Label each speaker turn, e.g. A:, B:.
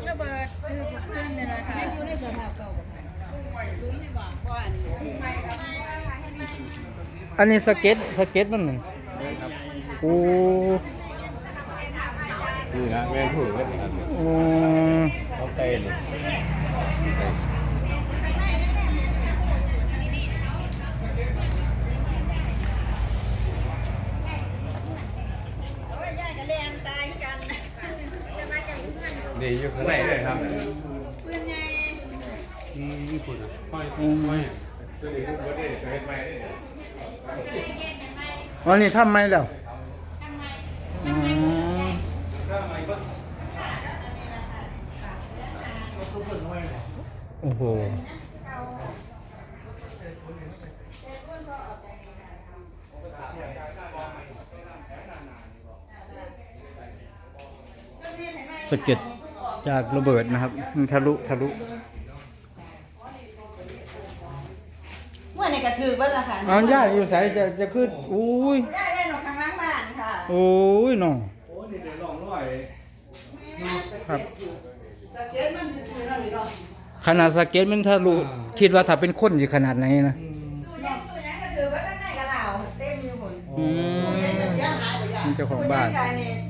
A: ระเบิดคือเพื่อนเนี่ยแหละค่ะอยู่ในสภาพเก่า
B: อันนี้สเก็ตมันนั่นโอ้
C: นี่นะแม่ผู้ก็ทำ
B: โอ้
C: เขาเต้นนี่อยู่ข้างในเลยครับปืนใหญ่ญี่ปุ่นอ่ะค่อยตัวนี้ลูกก็ได้ตัวเฮ็ดไม้ได้
B: วันนี้ทำไมแล้วโอ้โหสะเก็ดจากระเบิดนะครับมันทะลุ
A: เมื่อในกระถือบ้านละค่ะ
B: ย่าอยู่ใส่จะขึ้นอุ้ย
A: ย่าเล่นหนูข้างล่างบ้านค่ะ
B: โอ้ยน้อง
C: โอ้นี่เดี๋ยวลองร้อย
B: ครับขนาดสเก็ตมันทะลุคิดว่าถ้าเป็นคนอยู่ขนาดไหนนะ
A: ตู้ยังกระถือว่าข้างในกระเหล่าเต็มอยู่หมด
B: มันเจ้าของบ้าน